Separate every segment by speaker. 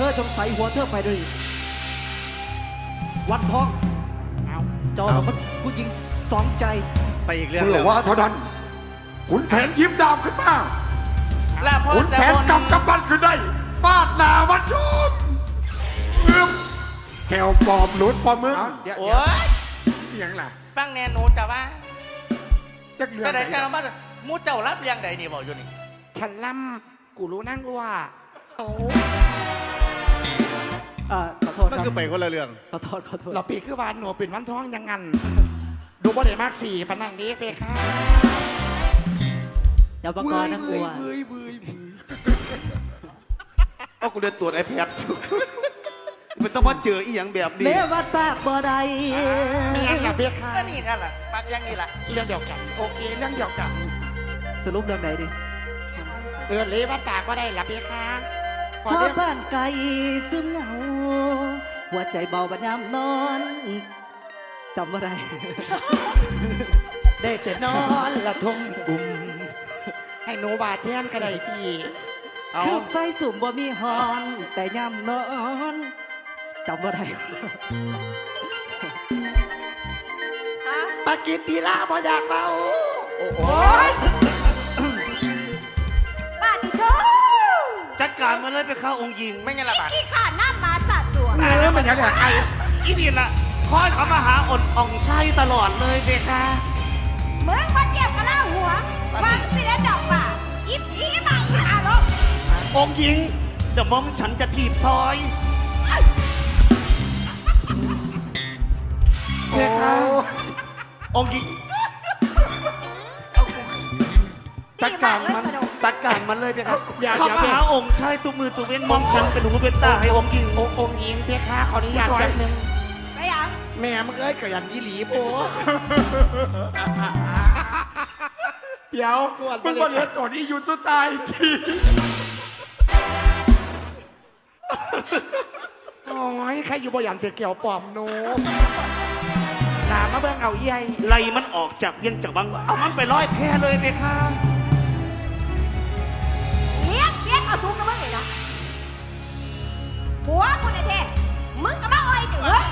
Speaker 1: ธอจงใส่หัวเธอไปด้วยวันทองเจ้ามันผู้หญิงสองใจ
Speaker 2: ไปอีกเรื่อง
Speaker 3: เมื่อว่าเท่านั้นขุนแผนยิ้มดาวขึ้นมา
Speaker 2: แล้วพ่อ
Speaker 3: ขุนแผนกำบันขึ้นได้ฟาดหนาวันยุบแขวปอบหลุดปอมึง
Speaker 2: โอ้ย
Speaker 3: อย่างไร
Speaker 2: ฟังแน่หนูจะว่า
Speaker 3: จักเรือง
Speaker 2: แต่ไหนจะมามูเจ้ารับเรียงใดนี่บอกอยู่นี่
Speaker 3: ฉันล่ำกูรู้นั่งว่า
Speaker 1: ขอโทษ
Speaker 4: มัน
Speaker 1: ครับ
Speaker 4: คือไปคนละเรื่อง
Speaker 1: ขอโทษขอโทษ
Speaker 3: เราปีคือวานหนูเป็นวันท้องยังงันดูบ่ได้มากสี่ปนังนี้เปค่ะ
Speaker 1: อย่าประกอบนักอัว
Speaker 4: เอากูเดินตรวจไอแพดมันต้องมาเจออีหยังแบบนี้
Speaker 1: เลวัดปากบ่ได้
Speaker 3: เมียกับเปค่ะ
Speaker 2: ก็นี่นั่นแหละปากยังนี่แหละ
Speaker 3: เรื่องเดียวกัน โอเคเรื่องเดียวกัน
Speaker 1: สรุปเรื่องไหนดิ
Speaker 3: เลวัดปากก็ได้ละเปค่ะพ
Speaker 1: พ
Speaker 3: อ
Speaker 1: อ
Speaker 3: เรื่อง
Speaker 1: บ้านไกลซึมเหงาหัวใจเบาบัดยามนอนจำว่าไร
Speaker 3: ได้แต่นอนละทงบุ่มให้หนูบาดแทนก็ได้พี่เอา
Speaker 1: คือไฟสูงบ่มีฮอน แต่ยามนอนจำว่าไร
Speaker 3: ปากิติลาบ่อยากเมาโอ้โห
Speaker 5: ป้าติโช
Speaker 4: จัดการมันเลยไปเข้าองค์หญิง
Speaker 2: ไม่งั้นละบาท
Speaker 5: ขี้ขาดหน้ามาสาดสวง
Speaker 3: มันยังไงไอ้
Speaker 4: อีนี่น่ะคอยเขามาหาอดอ่องไส้ตลอดเลยเบค่ะ
Speaker 5: มึงมาเจียบกันล่าหัววางสิเล่นดอกป่าอีผีมาอีหาลก
Speaker 4: องค์หญิงเดี๋ยวมอมฉันจะถีบซอยเบค่ะองค์หญิงจัดการมันจัดการมันเลยเบค่ะเขามาหาองค์ชายตัวมือตัวเว้นมอมฉันเป็นหูเป็นตาให้องค์หญิง
Speaker 3: องค์หญิงเพคะขออนุญาตแป๊บนึง
Speaker 5: ไปยัง
Speaker 3: แม่มึงเอ้ยกระยันยี่หลีโบเดี๋ยวมึงมาเหลือตัวนี้อยู่สุดท้ายทีโอ้ยใครอยู่บ่ยันเธอเกี่ยวปอมโนลามาเบิ่งเอาเยี่ย
Speaker 4: ไล่มันออกจากเวียงจากบังเอามันไปร้อยแพเลยเบค่ะ
Speaker 5: เลี้ยงเสียเอาซุกนะมึงเลยนะหัวกูเนี่ยเท่มึงกับมาอ้อยเดือ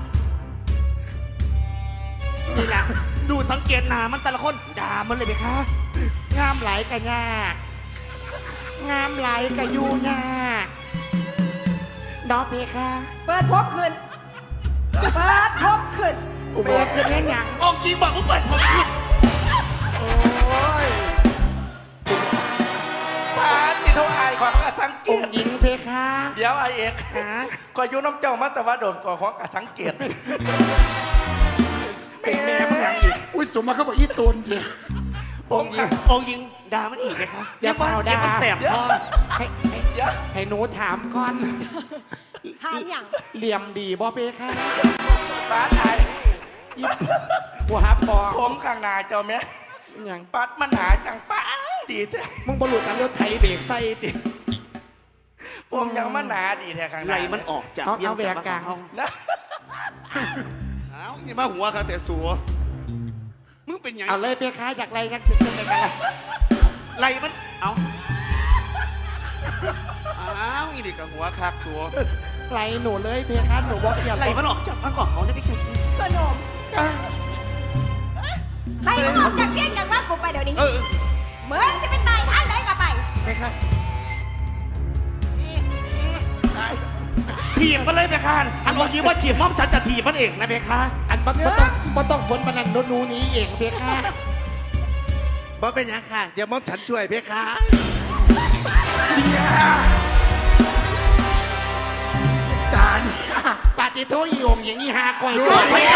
Speaker 4: นี่แหละดูสังเกตหน้ามันแต่ละคนด่ามันเลยเบค่ะ
Speaker 3: งามไหลกะยากงามไหลกะยูยากดอกเพคะ
Speaker 5: เปิดพบขึ้นเปิดพบขึ้น
Speaker 3: อุโบสถคือเรื่องหยัง
Speaker 4: องค์หญิงบอกว่าเปิดผมขึ้น
Speaker 3: โอ้ย
Speaker 2: ปาที่เท่าไอายของกระสังเก
Speaker 3: อง
Speaker 2: ต
Speaker 3: ค์หญิงเพคะ
Speaker 2: เดี๋ยวไอเอก
Speaker 3: ฮะ
Speaker 2: ก็อยู่น้ำเจ้ามาแต่ว่าโดนก่อของกระสังเกต
Speaker 3: เป็นแม่มึงหยังอีกอุ้ยสมมาเขาบอกอีตูนเถอะ
Speaker 4: องค์หญิงองค์หญิงด่ามันอีกไหมครับ
Speaker 3: อย่าเฝ้าด่า
Speaker 4: มันแสบคอ
Speaker 2: เดี๋ยว
Speaker 3: ให้หนูถามก่อน
Speaker 5: ถามอย่าง
Speaker 3: เหลี่ยมดีบ่เพคะ
Speaker 2: ปาไอ
Speaker 3: อีบัวฮับปอ
Speaker 2: ผมข้างหน้าเจ้าแม่
Speaker 3: หยัง
Speaker 2: ปัดมันหาจังปังดีแท้
Speaker 3: มึงบรรลุกันรถไถเบรกใส่ติ
Speaker 2: ผมยังมันหนาดีแท้ข้างหน้า
Speaker 4: ไล่มันออกจาก
Speaker 3: เอา
Speaker 4: เวียง
Speaker 3: เอาแหว
Speaker 4: จาก
Speaker 3: กกลาง
Speaker 4: บัง
Speaker 2: นะ
Speaker 4: เอานี่มาหัวครับแต่สัวมึงเป็นหยัง
Speaker 3: เอาเลยเพคะจากไรนักถึงจะเป็นอะไร
Speaker 4: ไล่มันเอาเอาอีนี่กับหัวคักสัว
Speaker 3: ไรหนูเลยเพคะหนูบอกอย่า
Speaker 4: ไล่มันออกจากมันก่อนเขาได้ไปแข่ง
Speaker 5: สนมให้มึงออกจากเพียงอย่างว่ากูไปเดี๋ยวนี้
Speaker 4: เออ
Speaker 5: มึงจะเป็นตายทางไหนก็ไป
Speaker 3: เพคะ
Speaker 4: ถีบมันเลยไปคานอันองค์หญิงว่าถีบม่อมฉันจะถีบมันเองนะเพคะ
Speaker 3: อันบ่ต้องฝนปนันหนูหนี้เองเพคะ
Speaker 4: บ่เป็นยังค่ะเดี๋ยวม่อมฉันช่วยเพคะ
Speaker 3: ตาเนี่ยปาติโทอีองค์อย่างนี้หาก่อยเพคะ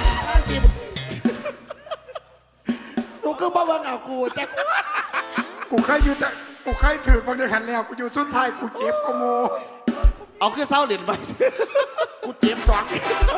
Speaker 3: กูก็บ่เบิ่งเอากูแต่
Speaker 6: กูเคยอยู่แต่กูเคยถือบางเดือนหันแล้วกูอยู่สุดท้ายกูเจ็บกูโม
Speaker 4: เอาคือเศร้าเหรียญไป
Speaker 3: กูเจ็บสอง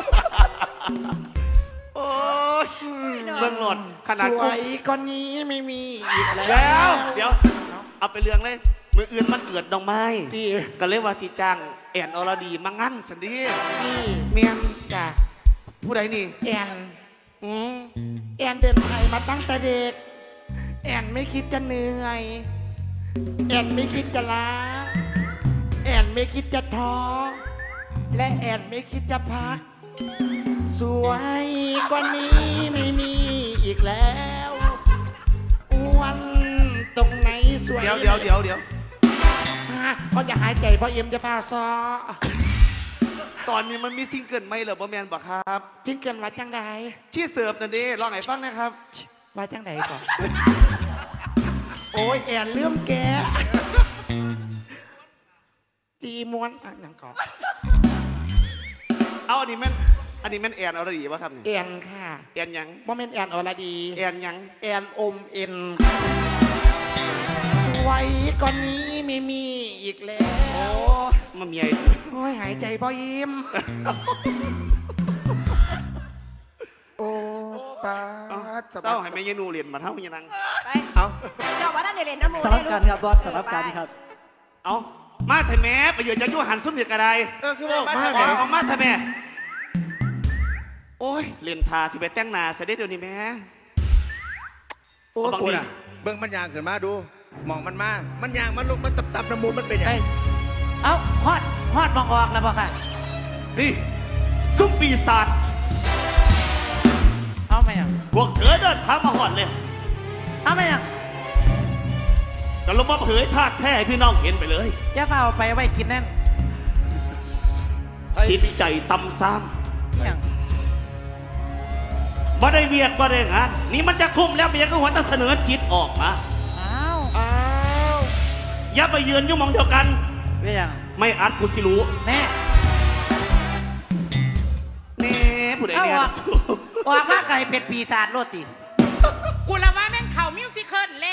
Speaker 4: โอ้ยเรื่องหล่นขนาด
Speaker 3: สว
Speaker 4: กู
Speaker 3: ยก้อนนี้ไม่มีอีกแล้ว
Speaker 4: เดี๋ยวเอาไปเรื่องเลยมืออื่นมันเกิดดอกไม้
Speaker 3: ที่
Speaker 4: ก็เลยว่าสิจ้างแอนอรดีมางั้นสันดี
Speaker 3: นี่
Speaker 4: เมียน
Speaker 3: จ้ะ
Speaker 4: ผู้ใดนี่
Speaker 3: แอน
Speaker 4: อืม
Speaker 3: แอนเดินไทยมาตั้งแต่เด็ก แอนไม่คิดจะเหนื่อย แอนไม่คิดจะล้า แอนไม่คิดจะท้อและแอนไม่คิดจะพัก สวยกว่านี้ไม่มีอีกแล้วอ้วนตรงไหนสวย
Speaker 4: เดี๋ยว
Speaker 3: ฮะเพราะจะหายใจเพราะเอ็มจะพาซอ
Speaker 4: ตอนนี้มันมีซิงเกิลไหมเหรอบ่แมนบ่ครับ
Speaker 3: จิ้งเกินว่าจังใด
Speaker 4: ที่เสิร์ฟนั่นเด้ลองให้ฟังนะครับ
Speaker 3: ว่าจังใดก่อน โอ้ยแอนเลื่อมแกจีม้วนอ่ะยังก่อน
Speaker 4: เอาอันนี้แม่นแอนเอาดีวะครับนี่
Speaker 3: แอนค่ะ
Speaker 4: แอนหยัง
Speaker 3: โมเมนต์แอนอรดี
Speaker 4: แอนหยัง
Speaker 3: แอนอมเอ็นสวยกว่านี้ไม่มีอีกแล้ว
Speaker 4: มันมีไอ้
Speaker 3: โอ้ยหายใจพอยิ้มโอ้ปาดส
Speaker 4: เต้า
Speaker 3: บัด
Speaker 4: ให้แม่ยายนูเรียนมาเท่ายังนัง
Speaker 5: ไป
Speaker 4: เอา
Speaker 5: เจ้าว่านั่นเดี๋ยวเล่นน้ำมู
Speaker 1: สลับกันครับบอสสลับกันครับ
Speaker 4: เอามาไทยแม่ประโยชน์จะยั่วหันซุ้มเด็กกระได
Speaker 2: คือบอกมา
Speaker 4: เอามาไทยแม่โอ้ยเรียนทาที่ไปแต่งหน้าเสด็จเดี๋ยวนี้แม่
Speaker 2: โอ้กูน่ะเบิ่งมันยางขึ้นมาดูมองมันมามันยางมันลงมันตับน้ำมูลมันเป็นยังไง
Speaker 7: เอ้าฮอดมองออกแล้วบ่ค่ะ
Speaker 4: นี่ซุ้มปีศาจ
Speaker 7: เอาไหมอ่ะ
Speaker 4: พวกเธอเดินทางมาหอดเลย
Speaker 7: เอาไหมอ่ะ
Speaker 4: จะลงมาเผยธาตุแท้ให้พี่น้องเห็นไปเลย
Speaker 7: อย่าเฝ้าไปไว้กินนั่น
Speaker 4: จิตใจตำซ้
Speaker 7: อย่าง
Speaker 4: ำบ่ได้เวียดบ่ได้งานนี่มันจะทุ่มแล้วเมียก็หัวแตะเสนอจิตออกมา
Speaker 7: อ้าว
Speaker 3: อ้าว
Speaker 4: อย่าไปยืนอยู่หมองเดียวกัน
Speaker 7: เป็นอย่าง
Speaker 4: ไม่อัดกูสิรู้
Speaker 7: แน่
Speaker 4: แน่ผู้ใด
Speaker 7: เอา
Speaker 4: เนี่ย
Speaker 7: ออกออกมาไก่เป็ดปีศาจโลดติ
Speaker 3: กูละว่าแม่งเข่ามิวสิคลแล้ว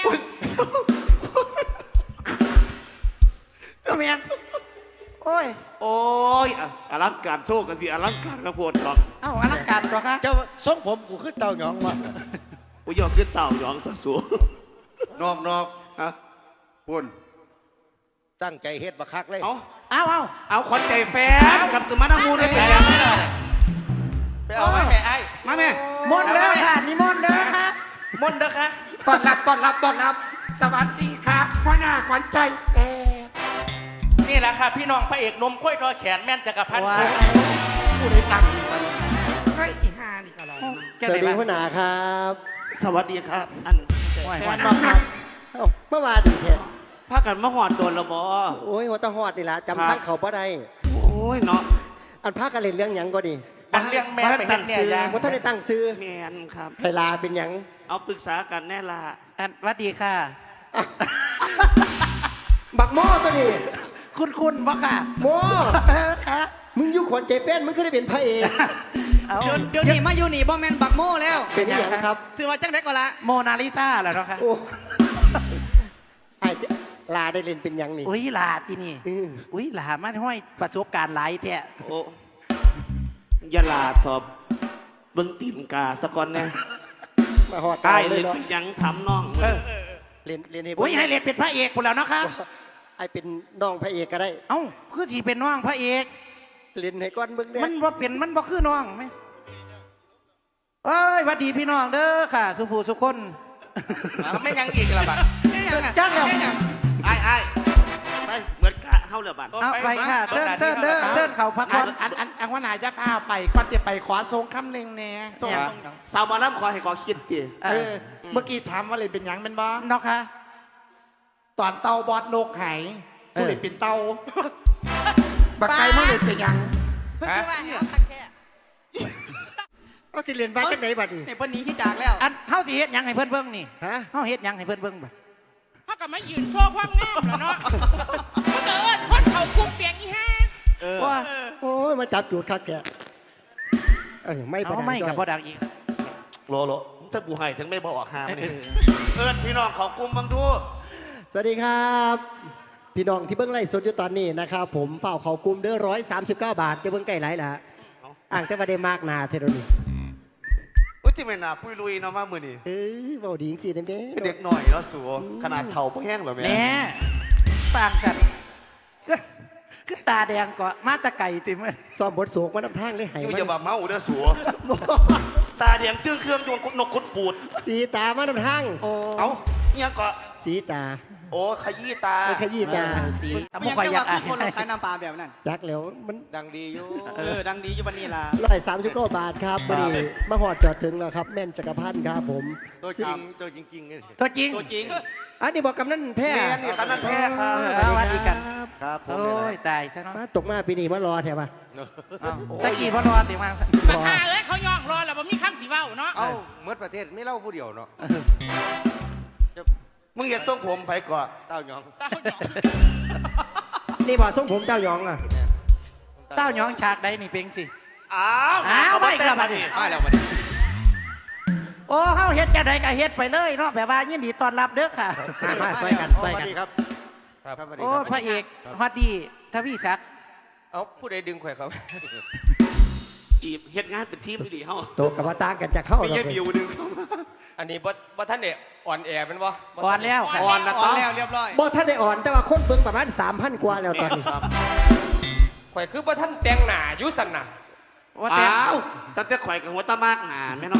Speaker 7: ก็แม่นโอ้ย
Speaker 4: โอ้ยอ่ะอลังการโซ่กันสิอลังการกระโพดหรอก
Speaker 7: เอ้าอลังการตัวค่ะ
Speaker 2: เจ้าทรงผมกูขึ้นเต่าหยองวะ
Speaker 4: กูยอมขึ้นเต่าหยองตัวสูง
Speaker 2: นอก
Speaker 4: ฮะ
Speaker 2: พุ่นตั้งใจเฮ็ดบักคักเลย
Speaker 4: เอา
Speaker 7: เอา
Speaker 4: ขวัญใจแฟนกับตุมานามูได้ไปแล้ว
Speaker 2: ไปเอาไว้แม่ไอ้
Speaker 4: มาแม่
Speaker 7: มนต์เด้อค่ะนี่มนต์เด้อค่ะ
Speaker 2: มนต์เด้อค่ะ
Speaker 3: ต้อนรับ สวัสดีครับพ่อหน้าขวัญใจแอน
Speaker 2: นี่แหละค่ะพี่น้องพระเอกนมข้อยทอแขนแม่นจักรพันธ์
Speaker 7: ว้า
Speaker 3: กูได้ตังค์อีกวันเฮ้ยอีห่านี่ก็รอ
Speaker 7: สวัสดีหัวหน้าครับ
Speaker 4: สวัสดีครับ อัน
Speaker 7: แฟ
Speaker 4: แฟ
Speaker 7: น
Speaker 4: น
Speaker 7: บอกครับ
Speaker 8: เมื่อวานนี่แท้
Speaker 4: พากันมาหอดโดนและบอ
Speaker 8: โอ้ยหัวตะหอดนี่ล่ะ
Speaker 4: ครั
Speaker 8: จำ
Speaker 4: บ
Speaker 8: ทางเขาบ่ได้
Speaker 4: โอ้ยเนาะ
Speaker 8: อันพากันเล่นเรื่องหยังก็ดี
Speaker 2: อันเลี้ยงแม่ไปเฮ็ดเนี่ยยาง
Speaker 8: ว่าท่านได้ตั้งซื้อ
Speaker 4: แมนครับ
Speaker 8: ไฮลาเป็นหยัง
Speaker 4: เอาปรึกษากันแน่ละ
Speaker 7: อันสวัสดีค่ะ
Speaker 8: บักโม่ตัวนี้
Speaker 7: คุณบ่ค่ะ
Speaker 8: โม่
Speaker 7: ค่ะ
Speaker 8: มึงอยู่ขวัญใจแฟนมึงก็ได้เป็นพระเอก
Speaker 7: เอา
Speaker 9: เดี๋ยวนี้มาอยู่นี่บ่แมนบักโม่แล้ว
Speaker 8: เป็นหยังครับ
Speaker 9: ซื้อว่าจังได้ก็ละ
Speaker 7: โมนาลิซาเหรอเนาะค่ะ
Speaker 8: โอ้ไอ้ลาได้เล่นเป็นหยังนี่
Speaker 7: อุ้ยลาที่นี่
Speaker 8: อือ
Speaker 7: อุ้ยลามันห้อยประสบการณ์หลายแท้
Speaker 4: โอ้อยาลาทอบเบิ้งตีนกาสะก่อนแน่
Speaker 8: มาหอด
Speaker 4: ใต้
Speaker 8: เล
Speaker 4: เล่
Speaker 8: ย
Speaker 4: น
Speaker 8: เนาะ
Speaker 4: เป็นหยังทำน้อง
Speaker 8: เล่นให้
Speaker 7: อุ้ยให้เล่นเป็นพระเอกหมดแล้วเนาะค่ะ
Speaker 8: ไอ้เป็นน้องพระเอกก็ได้
Speaker 7: เอ้าคือสีเป็นน้องพระเอก
Speaker 8: เล่นให้ก้อนเบิ่งเด้
Speaker 7: มันบ่เป็นมันบ่คือน้องไหมเอ้ยหวัดดีพี่น้องเด้อค่ะ สุภูสุคน
Speaker 2: ไม่ยังอีกละบัด
Speaker 7: จ้างแล้ว
Speaker 2: ไอ้ไป
Speaker 4: เหมือนกะเฮาเลยบัด
Speaker 7: เอาไปค่ะเชิญเชิญเด้อเชิญเขาพัก
Speaker 3: อั
Speaker 7: ผ่อน น
Speaker 3: อันว่าไหนจะพาไปก่อนจะไปขอทรงคำหนึ่งแน่ส่ง
Speaker 7: เนี่ย
Speaker 4: สาวบอลน้ำขอให้ขอคิดดิ
Speaker 3: เมื่อกี้ถามว่าเลยเป็นหยังเป็นบ้า
Speaker 7: เนาะค่ะ
Speaker 3: ตอนเตาบอดนกไหายสุริเป็นเตาบักไก่มันเลยเป็นหยัง
Speaker 9: เพิ่งคือว่าเอาตักแค่
Speaker 8: เอาสิเล่นไว้จังไหนบัดนี้
Speaker 9: ในวันนี้ที่จากแล้ว
Speaker 7: อันเฮาสิเฮ็ดหยังให้เพิ่นเบิ่งนี่
Speaker 8: ฮะ
Speaker 7: เฮาเฮ็ดหยังให้เพิ่นเบิ่งบัด
Speaker 9: เขาก็มายืนโชว์ความงามแล้วเนาะเขาเกิดคนเขาคุมเปียงอีห้า
Speaker 7: ว่า
Speaker 8: โอ้ยมาจับจูดคักแกไม่ประ
Speaker 7: เอา
Speaker 8: ดัง
Speaker 7: ไม่
Speaker 8: ด้
Speaker 7: กับ
Speaker 8: วย
Speaker 7: บ่ดังอีก
Speaker 4: โลถ้ากูให้ถึงไม่บอกหามนี่เอิ้นพี่น้องเขากลุ่มบังดู
Speaker 8: สวัสดีครับ พี่น้องที่เบิ้งไล่สดอยู่ตอนนี้นะครับผมเฝ้าเขากลุ่มเด้อ139 บาทจะเบิ้งใกล้ไรล่ะอ่างแต่ว่าได้มากนาเทโรนี่
Speaker 4: อุ้ยที่ไม่น่าปุยลุยเนาะมามือนี่
Speaker 8: เบาดีจริงๆนะแม่
Speaker 4: เด็กหน่อยแล้วสัวขนาดเข่าเพิ่งแห้งแบบ
Speaker 7: แห
Speaker 4: นี้
Speaker 7: น่ปางสัตว์คือตาแดงก็มาตะไก่ติมัน
Speaker 8: ซ้อมบทสูงมาน้ำทางเลยหาย
Speaker 4: อยู่
Speaker 8: มั
Speaker 4: อย่าบาเมาเด้อสัวตาเดียงจื้อเครื่องดวงนกขุดปูด
Speaker 8: สีตามาน้ำทาง
Speaker 7: โอ้
Speaker 4: เอ้าเนี่ยเกาะ
Speaker 8: สีตา
Speaker 4: โอ้ขยี้ตา
Speaker 8: ไอ้ขยี้ตา
Speaker 7: สีแต่บ่ค่อยอยากอ่าน
Speaker 1: คนขายน้ำปลาแบบนั้น
Speaker 8: จักแล้วมัน
Speaker 2: ดังดีอยู่
Speaker 1: ดังดีอยู่วันนี้ล่ะ
Speaker 8: 139 บาทครับวันนี้มาหอดจอดถึงแล้วครับ แม่นจักรพันธ์ครับผม
Speaker 2: ตัวจริงตัวจริงๆนี่
Speaker 7: ตัวจริง
Speaker 1: ตัวจริง
Speaker 8: อันนี้บอกกำนันแพ้
Speaker 4: แม่นี่คณะแพทย์ครับ
Speaker 7: สวัสดีกัน
Speaker 2: ครับผม
Speaker 7: โอ้ยตายซะเนาะ
Speaker 8: มาตกมาปีนี้มารอแถวะ
Speaker 7: อ้าวตะกี้พ่อรอติมา
Speaker 9: มาฆ่าเอ้ยเขาย่องรอแล้วบ่มีคำสิเว้าเนาะ
Speaker 2: เอ้าเมื่อประเทศไม่เล่าผู้เดียวเนาะ
Speaker 4: มึงอย่าส่งผมไปเกาะ
Speaker 2: เต้าหยอง
Speaker 8: นี่บอกทรงผมเจ้าหยองอ่ะ
Speaker 7: เต้าหยองฉากใดนี่เป็งสิ
Speaker 4: อ้าว
Speaker 7: อ้าวไม่กระบาด
Speaker 2: ไม่แล้วมัน
Speaker 7: โอ้เฮาเฮ็ดจังไดก็เฮ็ดไปเลยเนาะแบบว่ายินดีต้อนรับเด้อค่ะ
Speaker 8: มาช่วยกันช่วย
Speaker 2: สวั
Speaker 8: กั
Speaker 2: ส
Speaker 8: น
Speaker 2: ดีครับครับสวัสดี
Speaker 7: โอ้
Speaker 2: ครับ
Speaker 7: พระเอกฮอดดีทวีศักดิ์
Speaker 10: เอาผู้ใดดึงข่อยเขา
Speaker 4: จีบเฮ็ดงานเป็นทีมดีเฮา
Speaker 8: โตกับว่าต่างกันจะเข้า
Speaker 4: ไม่
Speaker 8: หรอก
Speaker 4: ใช่บิวดึงเข้ามา
Speaker 10: อันนี้บ่ท่านเนี่ยอ่อนแอเป็นบ่
Speaker 7: ก่อนแล้วค่ะ
Speaker 4: อ่อนนะ
Speaker 1: อ่
Speaker 4: ต้
Speaker 1: อ
Speaker 4: อน ง
Speaker 1: แล้วเรียบร้อย
Speaker 8: บ่ท่านได้อ่อนแต่ว่าคนเบิ่งประมาณ 3,000 กว่าแล้วตอนนี้
Speaker 10: ข่อยคือบ่ท่านแต่งหน้าอยู่สั่นน่ะ
Speaker 7: ว่าแต่
Speaker 4: อ้าวตั้งแต่ข่อยกับหัวตามากหนาแม่น้อง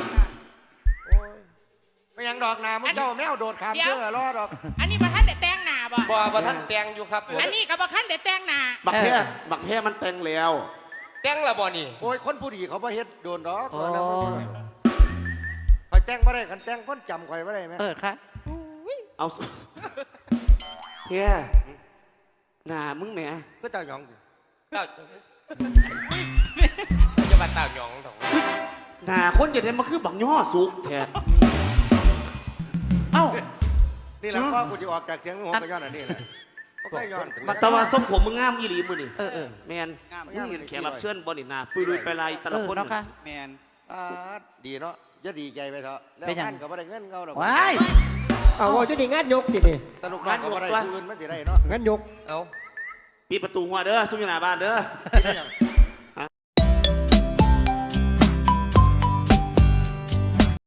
Speaker 2: ไม่ยังดอกนามึงเจ้าแมวโดดขามเชื่อรอดอก
Speaker 9: อันนี้บ่ทันได้แต่งหน้าบ่
Speaker 10: บ่ท่านแต่งอยู่ครับ
Speaker 9: อันนี้ก็บ่ทันได้แต่งหน้า
Speaker 4: บักแพ้บักแพ้มันแต่งแล้ว
Speaker 10: แต่งและบ่นี่
Speaker 2: โอ้ยคนผู้ดีเขาบ่เฮ็ดโดนดอกคอยแต่งบ่ได้คันแต่งคนจำคอยบ่ได้แม่
Speaker 7: ค่ะ
Speaker 4: เอาแพ้หน้ามึงแหม
Speaker 2: ก็เต้าหยองสิ
Speaker 10: เต้าจะมาเต้าหยองตรง
Speaker 4: หน้าคนจะได้มาคือบักย่อสุกแท้
Speaker 7: เอ้า
Speaker 2: นี่แหละพ่อกูจะออกจากเสียงหัวกระย้อนอันนี้แหละบ่เคยย้อน
Speaker 4: แต่ว่าทรงผมมึงงามอีหลีมื้อนี่
Speaker 7: เออ
Speaker 4: แมนมึงเห็นแขกรับเชิญบ่นี่หน้าปุยดุยไปลายแต่ละคน
Speaker 7: เนาะค่ะ
Speaker 1: แมน
Speaker 2: อ่าดีเนาะอย่าดีใจไปเถอะแล้ว
Speaker 7: เป็นหยัง
Speaker 2: งานก็บ่ได้เงินเขาดอก
Speaker 7: ว้าย
Speaker 8: เอาว่าอยู่นี่งานยกตินี่
Speaker 2: ตลกน้องก็บ่ได้คืนมันสิได้เนาะ
Speaker 8: งานยก
Speaker 10: เอา
Speaker 4: ปิดประตูหัวเด้อซุ่มอยู่หน้าบ้านเด้อ
Speaker 2: ที่ได้หยัง